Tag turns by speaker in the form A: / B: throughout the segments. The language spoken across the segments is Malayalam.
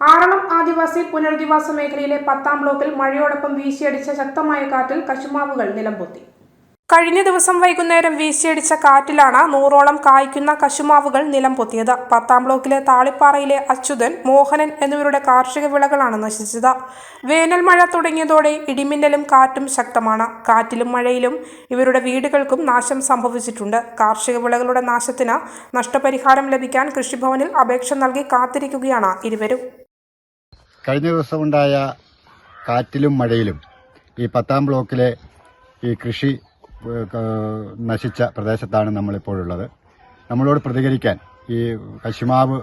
A: ആറളം ആദിവാസി പുനരധിവാസ മേഖലയിലെ 10ാം ബ്ലോക്കിൽ മഴയോടൊപ്പം വീശിയടിച്ച ശക്തമായ കാറ്റിൽ കശുമാവുകൾ നിലംപൊത്തി. കഴിഞ്ഞ ദിവസം വൈകുന്നേരം വീശിയടിച്ച കാറ്റിലാണ് 100ഓളം കായ്ക്കുന്ന കശുമാവുകൾ നിലംപൊത്തിയത്. 10ാം ബ്ലോക്കിലെ താളിപ്പാറയിലെ അച്യുതൻ, മോഹനൻ എന്നിവരുടെ കാർഷിക വിളകളാണ് നശിച്ചത്. വേനൽ മഴ തുടങ്ങിയതോടെ ഇടിമിന്നലും കാറ്റും ശക്തമാണ്. കാറ്റിലും മഴയിലും ഇവരുടെ വീടുകൾക്കും നാശം സംഭവിച്ചിട്ടുണ്ട്. കാർഷിക വിളകളുടെ നാശത്തിന് നഷ്ടപരിഹാരം ലഭിക്കാൻ കൃഷിഭവനിൽ അപേക്ഷ നൽകി കാത്തിരിക്കുകയാണ് ഇരുവരും.
B: കഴിഞ്ഞ ദിവസമുണ്ടായ കാറ്റിലും മഴയിലും ഈ 10ാം ബ്ലോക്കിലെ ഈ കൃഷി നശിച്ച പ്രദേശത്താണ് നമ്മളിപ്പോഴുള്ളത്. നമ്മളോട് പ്രതികരിക്കാൻ ഈ കശുമാവ്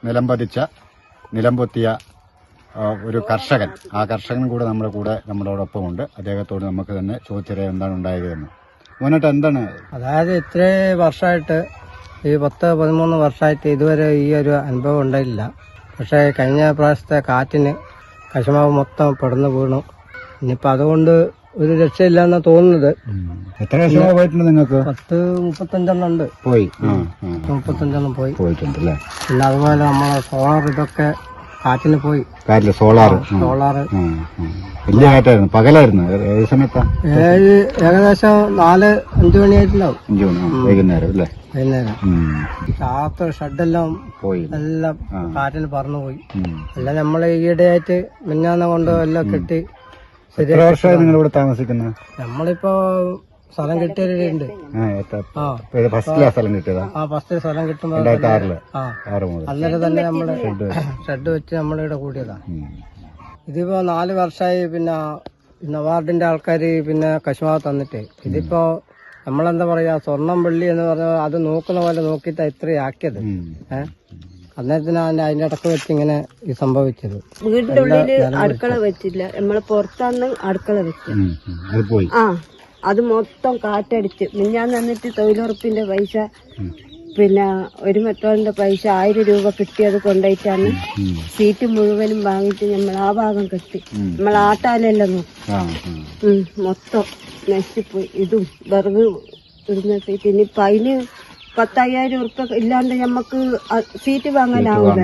B: നിലംപൊത്തിയ ഒരു കർഷകൻ, ആ കർഷകൻ കൂടെ നമ്മളോടൊപ്പമുണ്ട്. അദ്ദേഹത്തോട് നമുക്ക് തന്നെ ചോദിച്ചറിയാൻ എന്താണ് ഉണ്ടായതെന്ന്. മോനേട്ട, എന്താണ്?
C: അതായത് ഇത്ര വർഷമായിട്ട്, ഈ 10-13 വർഷമായിട്ട് ഇതുവരെ ഈ ഒരു അനുഭവം ഉണ്ടായില്ല. പക്ഷേ കഴിഞ്ഞ പ്രാവശ്യത്തെ കാറ്റിന് കശുമാവ് മൊത്തം പെടന്നു വീണു. ഇനിയിപ്പോൾ അതുകൊണ്ട് ഒരു രക്ഷയില്ലെന്നാ തോന്നുന്നത്.
B: എത്ര കശുമാവ് പോയിട്ടുണ്ട് നിങ്ങൾക്ക്?
C: 35 ഉണ്ട്.
B: പോയി
C: 35
B: പോയിട്ടുണ്ടല്ലേ.
C: പിന്നെ അതുപോലെ നമ്മളെ സോളാർ ഇതൊക്കെ കാറ്റിന് പോയി.
B: സോളാർ വലിയ കാറ്റായിരുന്നു. പകലായിരുന്നു. ഏത് സമയത്താ?
C: ഏകദേശം 4-5 മണിയായിട്ടുണ്ടാവും.
B: 5 മണി വൈകുന്നേരം അല്ലേ?
C: വൈകുന്നേരം. ചാത്ത ഷെഡെല്ലാം പോയി, എല്ലാം കാറ്റിന് പറന്നുപോയി. എല്ലാം നമ്മള് ഈയിടെയായിട്ട് മിഞ്ഞാന്ന് കൊണ്ട് എല്ലാം കെട്ടി.
B: എത്ര വർഷമായി നിങ്ങളിവിടെ താമസിക്കുന്നത്?
C: നമ്മളിപ്പോ സ്ഥലം കിട്ടിയവരുണ്ട്.
B: ഫസ്റ്റിലാ സ്ഥലം കിട്ടിയതാ?
C: ഫസ്റ്റ് സ്ഥലം കിട്ടുമ്പോ
B: 2006 മുതൽ
C: അന്നേരം തന്നെ നമ്മള് ഷെഡ് വെച്ച് നമ്മളിവിടെ കൂടിയതാ. ഇതിപ്പോ 4 വർഷമായി. പിന്നെ നവാർഡിന്റെ ആൾക്കാര് പിന്നെ കശുമാവ് തന്നിട്ട് ഇതിപ്പോ നമ്മളെന്താ പറയാ, സ്വർണം വെള്ളി എന്ന് പറഞ്ഞാൽ അത് നോക്കുന്ന പോലെ നോക്കിയിട്ടാ ഇത്രയാക്കിയത്. അന്നേരത്തിനാണ് അതിന്റെ ഇടക്ക് വെച്ച് ഇങ്ങനെ ഈ സംഭവിച്ചത്.
D: വീടിന്റെ ഉള്ളില് അടുക്കള വെച്ചില്ല, നമ്മള് പുറത്താണ് അടുക്കള വെച്ചത്. അത് മൊത്തം കാറ്റടിച്ച് മിഞ്ഞാന്ന് വന്നിട്ട് തൊഴിലുറപ്പിന്റെ പൈസ, പിന്നെ ഒരു മെട്രോളിന്റെ പൈസ 1000 രൂപ കിട്ടിയത് കൊണ്ടുപോയിട്ടാണ് സീറ്റ് മുഴുവനും വാങ്ങിയിട്ട് നമ്മൾ ആ ഭാഗം കെട്ടി. നമ്മൾ ആട്ടാലെല്ലാം നോക്കും, മൊത്തം നശിച്ചുപോയി. ഇതും വിറക് ഇടുന്ന സീറ്റ്. ഇനിയിപ്പൊ അതിന് 10,000 ഉറുപ്പ ഇല്ലാണ്ട് നമ്മക്ക് സീറ്റ് വാങ്ങാനാവില്ല.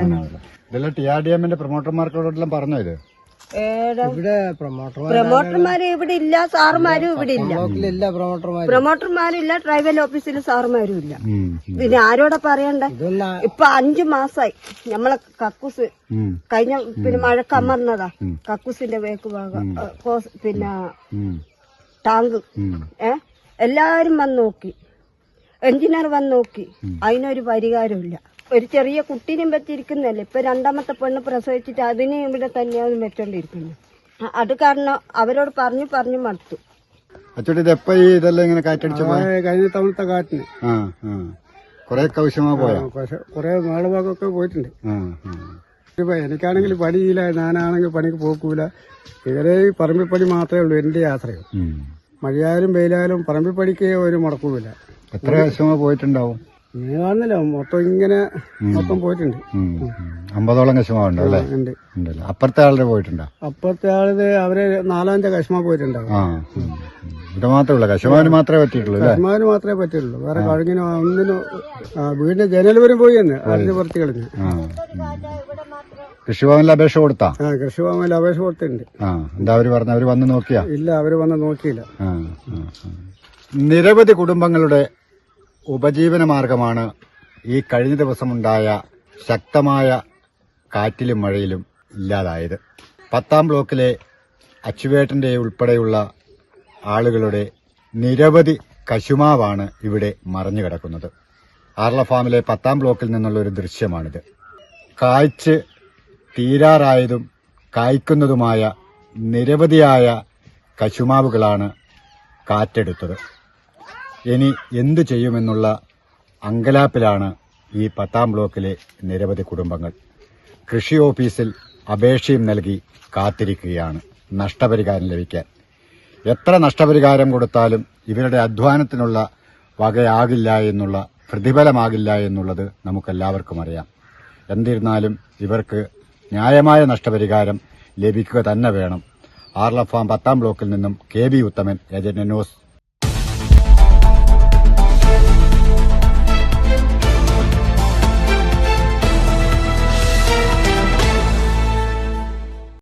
B: പ്രൊമോട്ടർമാർക്കോടെല്ലാം പറഞ്ഞോ ഇത്?
C: ഇവിടെ
D: പ്രൊമോട്ടർമാര് ഇവിടെ ഇല്ല, സാറുമാരും ഇവിടെ ഇല്ല. പ്രൊമോട്ടർമാരില്ല, ട്രൈബൽ ഓഫീസിൽ സാറുമാരും ഇല്ല. പിന്നെ ആരോടെ പറയണ്ടേ? ഇപ്പൊ 5 മാസമായി നമ്മളെ കക്കൂസ് കഴിഞ്ഞ പിന്നെ മഴക്ക് അമർന്നതാ. കക്കൂസിന്റെ വേക്ക് ഭാഗം, പിന്നെ ടാങ്ക് എല്ലാരും വന്ന് നോക്കി, എഞ്ചിനീയർ വന്ന് നോക്കി, അതിനൊരു പരിഹാരമില്ല. ഒരു ചെറിയ കുട്ടീനും വെച്ചിരിക്കുന്നല്ലേ. ഇപ്പൊ 2ാമത്തെ പെണ്ണ് പ്രസവിച്ചിട്ട് അതിനെ ഇവിടെ തന്നെയാണ് വെച്ചോണ്ടിരിക്കുന്നത്. അത് കാരണം അവരോട് പറഞ്ഞു മടുത്തു.
B: ഇതെല്ലാം ഇങ്ങനെ കാറ്റടിച്ചു?
C: കഴിഞ്ഞ തവണത്തെ കാറ്റിന്
B: കൊറേ കൗശമാ പോയാ?
C: കൊറേ നാളുഭാഗമൊക്കെ പോയിട്ടുണ്ട്. എനിക്കാണെങ്കിൽ പണിയില്ല, ഞാനാണെങ്കിൽ പണിക്ക് പോക്കൂല. ഇവരെ പറമ്പിൽ പണി മാത്രമേ ഉള്ളൂ എന്റെ യാത്രയും. മഴയായാലും വെയിലായാലും പറമ്പിൽ പണിക്ക് ഒരു മുടക്കുമില്ല.
B: എത്ര കശുമാ പോയിട്ടുണ്ടാവും?
C: ഇങ്ങനെ കാണുന്നില്ല, മൊത്തം പോയിട്ടുണ്ട്.
B: 50ഓളം കശുമാവുണ്ടോ അല്ലേ? ഉണ്ടല്ലോ. അപ്പുറത്തെ ആളുടെ പോയിട്ടുണ്ടോ?
C: അപ്പുറത്തെ ആളത് അവര് 4-5 കശുമാ പോയിട്ടുണ്ടാവും.
B: ഇത് മാത്രമല്ല, കശുമാവിന് മാത്രമേ പറ്റിയിട്ടുള്ളൂ?
C: കശുമാവിന് മാത്രമേ പറ്റിയുള്ളൂ. വേറെ കഴുകിനോ ഒന്നിനും. വീടിന്റെ ജനൽ വരും പോയി എന്ന് അതിന് പുറത്ത് കളഞ്ഞു.
B: കൃഷിഭവനിൽ അപേക്ഷ കൊടുത്താ?
C: കൃഷിഭവനിൽ അപേക്ഷ കൊടുത്തിട്ടുണ്ട്.
B: എന്താ അവര് പറഞ്ഞ? അവര് വന്ന് നോക്കിയാ?
C: ഇല്ല, അവര് വന്ന് നോക്കിയില്ല.
B: നിരവധി കുടുംബങ്ങളുടെ ഉപജീവന മാർഗമാണ് ഈ കഴിഞ്ഞ ദിവസമുണ്ടായ ശക്തമായ കാറ്റിലും മഴയിലും ഇല്ലാതായത്. 10ാം ബ്ലോക്കിലെ അച്ചുവേട്ടന്റെ ഉൾപ്പെടെയുള്ള ആളുകളുടെ നിരവധി കശുമാവാണ് ഇവിടെ മറഞ്ഞു കിടക്കുന്നത്. ആർല ഫാമിലെ 10ാം ബ്ലോക്കിൽ നിന്നുള്ള ഒരു ദൃശ്യമാണിത്. കായ്ച്ച് തീരാറായതും കായ്ക്കുന്നതുമായ നിരവധിയായ കശുമാവുകളാണ് കാറ്റെടുത്തത്. ഇനി എന്തു ചെയ്യുമെന്നുള്ള അങ്കലാപ്പിലാണ് ഈ 10ാം ബ്ലോക്കിലെ നിരവധി കുടുംബങ്ങൾ. കൃഷി ഓഫീസിൽ അപേക്ഷയും നൽകി കാത്തിരിക്കുകയാണ് നഷ്ടപരിഹാരം ലഭിക്കാൻ. എത്ര നഷ്ടപരിഹാരം കൊടുത്താലും ഇവരുടെ അധ്വാനത്തിനുള്ള വകയാകില്ല എന്നുള്ള, പ്രതിഫലമാകില്ല എന്നുള്ളത് നമുക്കെല്ലാവർക്കും അറിയാം. എന്നിരുന്നാലും ഇവർക്ക് ന്യായമായ നഷ്ടപരിഹാരം ലഭിക്കുക തന്നെ വേണം. ആർല ഫാം 10ാം ബ്ലോക്കിൽ നിന്നും KB ഉത്തമൻ, ഏജന്റ് ന്യൂസ്.